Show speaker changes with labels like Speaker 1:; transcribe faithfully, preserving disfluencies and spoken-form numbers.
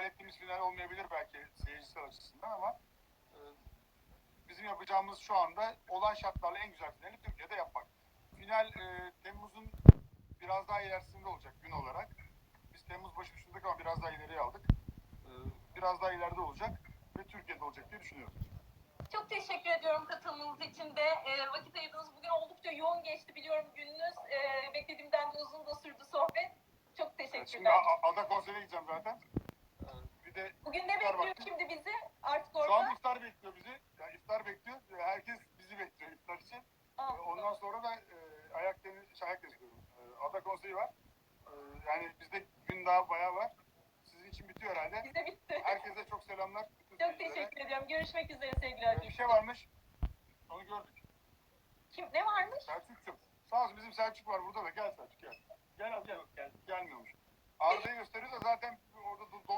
Speaker 1: ettiğimiz final olmayabilir belki seyircisel açısından ama e, bizim yapacağımız şu anda olan şartlarla en güzel finali Türkiye'de yapmak. Final e, Temmuz'un biraz daha ilerisinde olacak gün olarak. Biz Temmuz başı düşündük ama biraz daha ileriye aldık. E, biraz daha ileride olacak ve Türkiye'de olacak diye düşünüyorum.
Speaker 2: Çok teşekkür ediyorum katılımınız için de. E, vakit ayırdığınız bugün oldukça yoğun geçti biliyorum gününüz. E, beklediğimden de uzun da sürdü sohbet. Çok teşekkürler.
Speaker 1: Evet, şimdi Ada konserine gideceğim zaten. E, bir de
Speaker 2: bugün ne bekliyor vakti. Şimdi bizi artık orada?
Speaker 1: Şu an iftar bekliyor bizi. Yani iftar bekliyor. Herkes bizi bekliyor iftar için. Ah, Ondan sonra da e, ayak deniz, ayak geziyorum. E, Ada konseri var. E, yani bizde gün daha bayağı var. Sizin için bitiyor herhalde.
Speaker 2: Bize bitti.
Speaker 1: Herkese çok selamlar.
Speaker 2: Çok teşekkür ediyorum. Görüşmek üzere sevgili Acun.
Speaker 1: Bir şey varmış. Onu gördük.
Speaker 2: Kim? Ne varmış?
Speaker 1: Selçuk'cum. Sağ olsun bizim Selçuk var burada da. Gel Selçuk gel. Gel abi gel. gel. Gelmiyormuş. Arda'yı gösteriyor da zaten orada don